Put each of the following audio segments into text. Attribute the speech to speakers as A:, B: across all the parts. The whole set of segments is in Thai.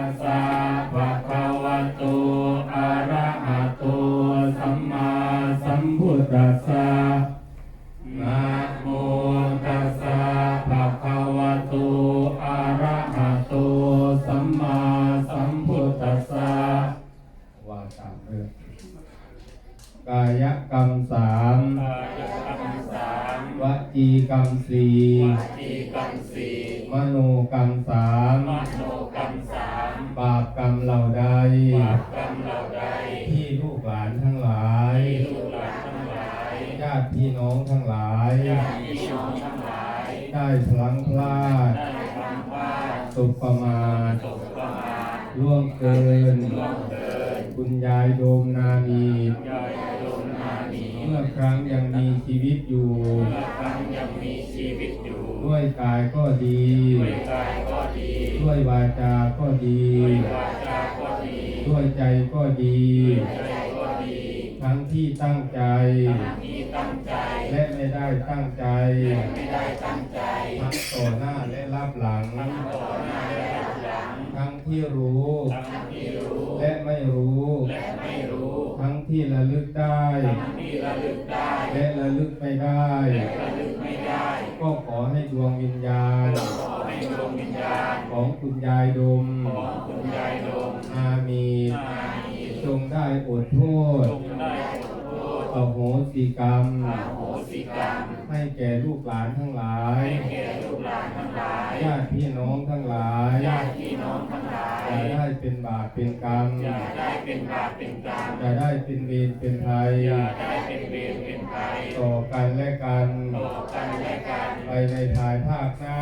A: สะภะคะวะโตอะระหะโตสัมมาสัมพุทธัสสะนะโมตัสสะภะคะวะโตอะระหะโตสัมมาสัมพุทธัสสะว่าตามเรื่องกายกรรมสามวจีกรรมสี่มโนกรรมสามบาปกรรมเหล่าใดที่ลูกหลานทั้งหลายญาติพี่น้องทั้งหลายได้พลั้งพลาดตกประมาทล่วงเกินคุณยายโดมนามีเมื่อครั้งยังมีชีวิตอยู่ด้วยกายก็ดีด้วยวาจาก็ดีด้วยใจก็ดีทั้งที่ตั้งใจและไม่ได้ตั้งใจทั้งต่อหน้าและรับหลังทั้งที่รู้และไม่รู้ทั้งที่ระลึกได้และระลึกไม่ได้ก็ขอให้ดวงวิญญาณของคุณยายดมอามีจงได้อดโทษอโหสิกรรมให้แก่ลูกหลานทั้งหลายญาติพี่น้องทั้งหลายอย่าได้เป็นบาปเป็นกรรมอย่าได้เป็นเวรเป็นภัยต่อกันและกันไปในภายภาคหน้า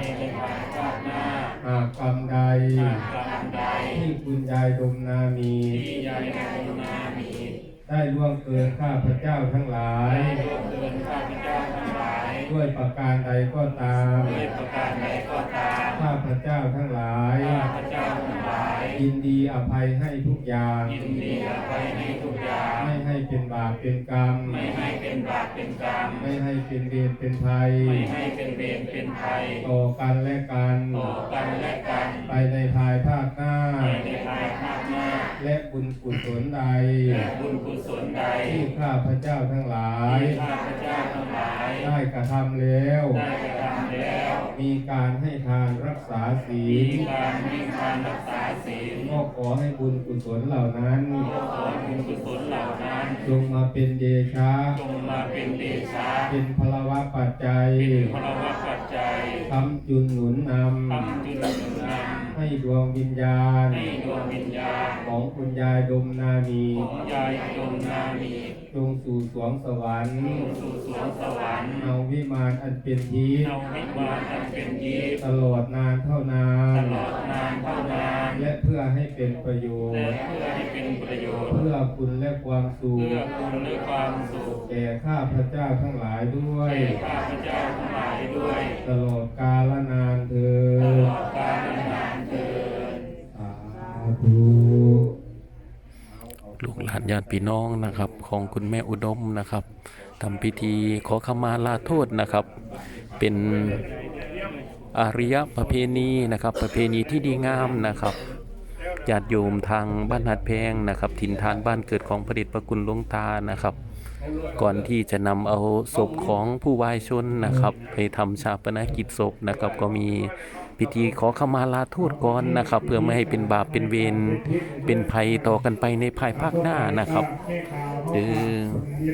A: หากกรรมใดที่คุณยายดมนามีได้ล่วงเกินข้าพเจ้าทั้งหลายด้วยประการใดก็ตามข้าพเจ้าทั้งหลายยินดีอภัยให้ทุกอย่างไม่ให้เป็นบาปเป็นกรรมไม่ให้เป็นเวรเป็นภัยต่อกันและกันไปในภายภาคหน้าและบุญกุศลใดที่ข้าพเจ้าทั้งหลายได้กระทำแล้วมีการให้ทานรักษาศีลก็ขอให้บุญกุศลเหล่านั้นจงมาเป็นเดชะเป็นพลวะปัจจัยคำจุนหนุนนำให้ดวงวิญญาณของคุณยายดมนามีจงสู่สวงสวรรค์เอาวิมานอันเป็นทิพย์ตลอดนานเท่านานและเพื่อให้เป็นประโยชน์เพื่อคุณและความสุขแก่ข้าพเจ้าทั้งหลายด้วยตลอดกาลนานเถิดสาธุ
B: ลูกหลานญาติพี่น้องนะครับของคุณแม่อุดมนะครับทำพิธีขอขมาลาโทษนะครับ เป็นอาริยประเพณีนะครับประเพณีที่ดีงามนะครับญาติโยมทางบ้านหัดแพงนะครับถิ่นฐานบ้านเกิดของพระเดชพระคุณหลวงตานะครับ ก่อนที่จะนำเอาศพของผู้วายชนนะครับไปทำชาปนกิจศพนะครับก็มีพิธีขอขมาลาโทษก่อนนะครับเพื่อไม่ให้เป็นบาปเป็นเวรเป็นภัยต่อกันไปในภายภาคหน้านะครับ